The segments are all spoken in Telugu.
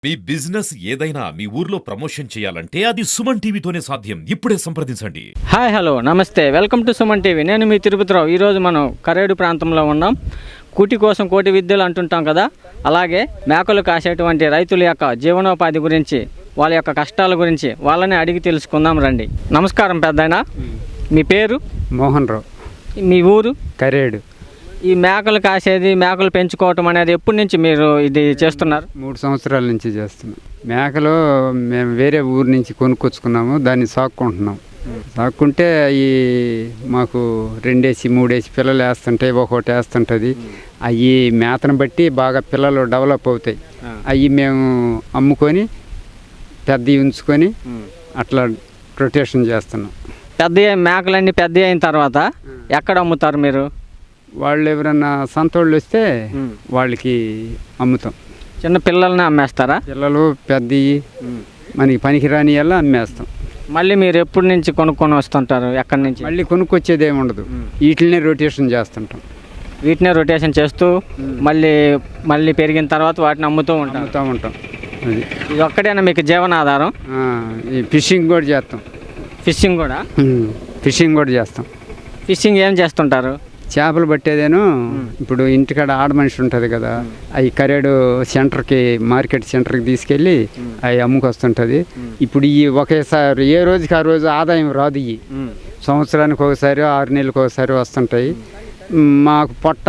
మీ బిజినెస్ ఏదైనా మీ ఊర్లో ప్రమోషన్ చేయాలంటే అది సుమన్ టీవీతోనే సాధ్యం. ఇప్పుడే సంప్రదించండి. హాయ్ హలో నమస్తే, వెల్కమ్ టు సుమన్ టీవీ. నేను మీ తిరుపతిరావు. ఈరోజు మనం కరేడు ప్రాంతంలో ఉన్నాం. కూటి కోసం కోటి విద్యలు అంటుంటాం కదా, అలాగే మేకలు కాసేటువంటి రైతుల యొక్క జీవనోపాధి గురించి, వాళ్ళ యొక్క కష్టాల గురించి వాళ్ళని అడిగి తెలుసుకుందాం రండి. నమస్కారం పెద్దాయన, మీ పేరు? మోహన్ రావు. మీ ఊరు? కరేడు. ఈ మేకలు కాసేది, మేకలు పెంచుకోవటం అనేది ఎప్పటి నుంచి మీరు ఇది చేస్తున్నారు? 3 సంవత్సరాల నుంచి చేస్తున్నాం. మేకలు మేము వేరే ఊరు నుంచి కొనుక్కొచ్చుకున్నాము, దాన్ని సాక్కుంటున్నాం. సాక్కుంటే ఈ మాకు 2 వేసి 3 వేసి పిల్లలు వేస్తుంటాయి, ఒక్కొక్కటి వేస్తుంటుంది. అవి మేతను బట్టి బాగా పిల్లలు డెవలప్ అవుతాయి. అవి మేము అమ్ముకొని పెద్దవి ఉంచుకొని అట్లా రొటేషన్ చేస్తున్నాం. పెద్ద మేకలన్నీ పెద్ద అయిన తర్వాత ఎక్కడ అమ్ముతారు మీరు? వాళ్ళు ఎవరన్నా సంతోళ్ళు వస్తే వాళ్ళకి అమ్ముతాం. చిన్న పిల్లల్ని అమ్మేస్తారా? పిల్లలు పెద్దవి మనకి పనికిరాని ఎలా అమ్మేస్తాం. మళ్ళీ మీరు ఎప్పటి నుంచి కొనుక్కొని వస్తుంటారు? ఎక్కడి నుంచి? మళ్ళీ కొనుక్కొచ్చేది ఏమి ఉండదు, వీటినే రొటేషన్ చేస్తుంటాం. వీటినే రొటేషన్ చేస్తూ మళ్ళీ పెరిగిన తర్వాత వాటిని అమ్ముతూ ఉంటాం. అది ఇది ఒక్కడేనా మీకు జీవనాధారం? ఈ ఫిషింగ్ కూడా చేస్తాం. ఫిషింగ్ కూడా? ఫిషింగ్ కూడా చేస్తాం. ఫిషింగ్ ఏం చేస్తుంటారు? చేపలు పట్టేదేను. ఇప్పుడు ఇంటికాడ ఆడ మనిషి ఉంటుంది కదా, అవి కరేడు సెంటర్కి, మార్కెట్ సెంటర్కి తీసుకెళ్ళి అవి అమ్ముకొస్తుంటుంది. ఇప్పుడు ఈ ఒకేసారి ఏ రోజుకి ఆ రోజు ఆదాయం రాదు. ఇవి సంవత్సరానికి ఒకసారి 6 నెలలకు ఒకసారి వస్తుంటాయి. మాకు పొట్ట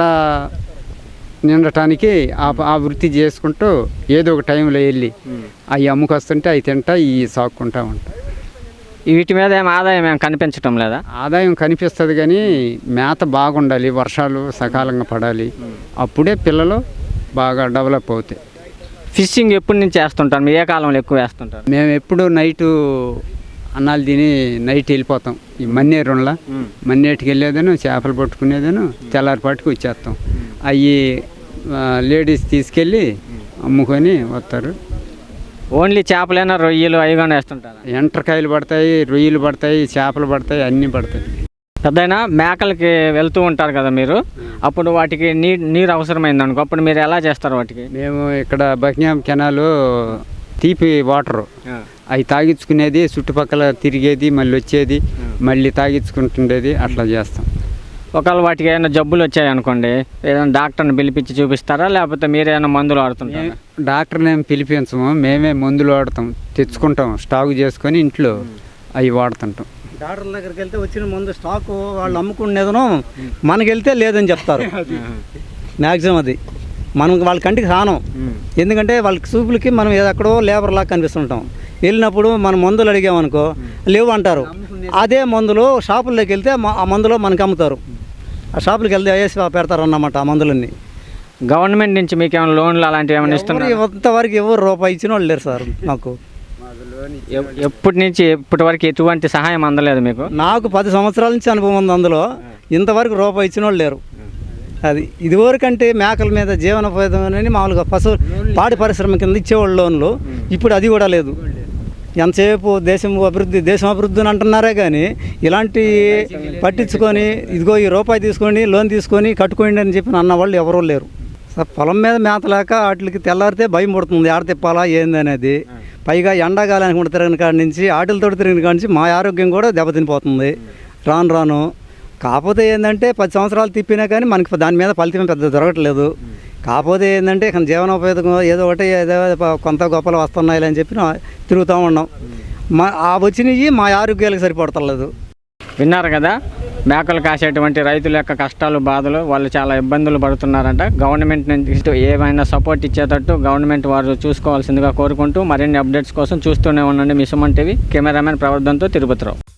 నిండటానికి ఆ వృత్తి చేసుకుంటూ ఏదో ఒక టైంలో వెళ్ళి అవి అమ్ముకొస్తుంటే అవి తింటా ఇవి సాక్కుంటూ ఉంటాం. వీటి మీద ఏం ఆదాయం ఏం కనిపించటం లేదా? ఆదాయం కనిపిస్తుంది కానీ మేత బాగుండాలి, వర్షాలు సకాలంగా పడాలి, అప్పుడే పిల్లలు బాగా డెవలప్ అవుతాయి. ఫిషింగ్ ఎప్పటి నుంచి వేస్తుంటారు? మీ ఏ కాలంలో ఎక్కువ వేస్తుంటారు? మేము ఎప్పుడు నైటు అన్నాలు తిని నైట్ వెళ్ళిపోతాం. ఈ మన్నేరులా మన్నేటికి వెళ్ళేదను, చేపలు పట్టుకునేదను, తెల్లారిపాటికి వచ్చేస్తాం. అవి లేడీస్ తీసుకెళ్ళి అమ్ముకొని వస్తారు. ఓన్లీ చేపలైనా, రొయ్యలు అవి కానీ వేస్తుంటారు? ఎండ్రకాయలు పడతాయి, రొయ్యలు పడతాయి, చేపలు పడతాయి, అన్నీ పడతాయి. పెద్దయినా మేకలకి వెళ్తూ ఉంటారు కదా మీరు, అప్పుడు వాటికి నీరు అవసరమైంది అనుకో, అప్పుడు మీరు ఎలా చేస్తారు వాటికి? మేము ఇక్కడ బకింగ్హామ్ కెనాలు తీపి వాటరు అవి తాగించుకునేది, చుట్టుపక్కల తిరిగేది, మళ్ళీ వచ్చేది, మళ్ళీ తాగించుకుంటుండేది, అట్లా చేస్తాం. ఒకవేళ వాటికి ఏమైనా జబ్బులు వచ్చాయనుకోండి, ఏదైనా డాక్టర్ని పిలిపించి చూపిస్తారా, లేకపోతే మీరేమైనా మందులు వాడుతుంటారా? డాక్టర్ని ఏమి పిలిపించము, మేమే మందులు వాడతాం, తెచ్చుకుంటాం, స్టాక్ చేసుకొని ఇంట్లో అవి వాడుతుంటాం. డాక్టర్ల దగ్గరికి వెళ్తే వచ్చిన మందు స్టాకు వాళ్ళు అమ్ముకునేదను, మనకి వెళ్తే లేదని చెప్తారు. మ్యాక్సిమం అది మనం వాళ్ళ కంటికి రానం. ఎందుకంటే వాళ్ళకి చూపులకి మనం ఎక్కడో లేబర్లాగా కనిపిస్తుంటాం. వెళ్ళినప్పుడు మనం మందులు అడిగామనుకో లేవు అంటారు. అదే మందులు షాపుల్లోకి వెళ్తే ఆ మందులో మనకి అమ్ముతారు. ఆ షాపులకి వెళ్తే వేసి పెడతారు అన్నమాట ఆ మందులన్నీ. గవర్నమెంట్ నుంచి మీకు ఏమైనా లోన్లు అలాంటివి ఏమైనా ఇస్తున్నారు? ఇంతవరకు ఎవరు రూపాయి ఇచ్చిన వాళ్ళు లేరు సార్. నాకు ఎప్పటి నుంచి ఇప్పటి వరకు ఎటువంటి సహాయం అందలేదు మీకు? నాకు 10 సంవత్సరాల నుంచి అనుభవం ఉంది అందులో. ఇంతవరకు రూపాయి ఇచ్చిన వాళ్ళు లేరు. అది ఇదివరకంటే మేకల మీద జీవనోపాధి మామూలుగా పాడి పరిశ్రమ కింద ఇచ్చేవాళ్ళు లోన్లు. ఇప్పుడు అది కూడా లేదు. ఎంతసేపు దేశం అభివృద్ధి అని అంటున్నారే కానీ ఇలాంటి పట్టించుకొని ఇదిగో ఈ రూపాయి తీసుకొని లోన్ తీసుకొని కట్టుకోండి అని చెప్పి అన్న వాళ్ళు ఎవరూ లేరు. పొలం మీద మేతలేక వాటికి తెల్లారితే భయం పడుతుంది, ఆడ తిప్పాలా ఏంది అనేది. పైగా ఎండాకాలానికి కూడా తిరిగిన కాడి నుంచి, ఆటలతో తిరిగిన కాడి నుంచి మా ఆరోగ్యం కూడా దెబ్బతినిపోతుంది రాను. కాకపోతే ఏంటంటే 10 సంవత్సరాలు తిప్పినా కానీ మనకి దాని మీద ఫలితం పెద్ద దొరకట్లేదు. కాకపోతే ఏంటంటే ఇక్కడ జీవనోపేతం ఏదో ఒకటి ఏదో కొంత గొప్పలు వస్తున్నాయి అని చెప్పి తిరుగుతూ ఉన్నాం. వచ్చినవి మా ఆరోగ్యాలకు సరిపడతలేదు. విన్నారు కదా, మేకలు కాసేటువంటి రైతుల యొక్క కష్టాలు, బాధలు, వాళ్ళు చాలా ఇబ్బందులు పడుతున్నారంట. గవర్నమెంట్ నుంచి ఏమైనా సపోర్ట్ ఇచ్చేటట్టు గవర్నమెంట్ వారు చూసుకోవాల్సిందిగా కోరుకుంటూ మరిన్ని అప్డేట్స్ కోసం చూస్తూనే ఉండండి మీ సుమన్ టీవీ. కెమెరామెన్ ప్రవర్ధన్తో తిరుపతిరావు.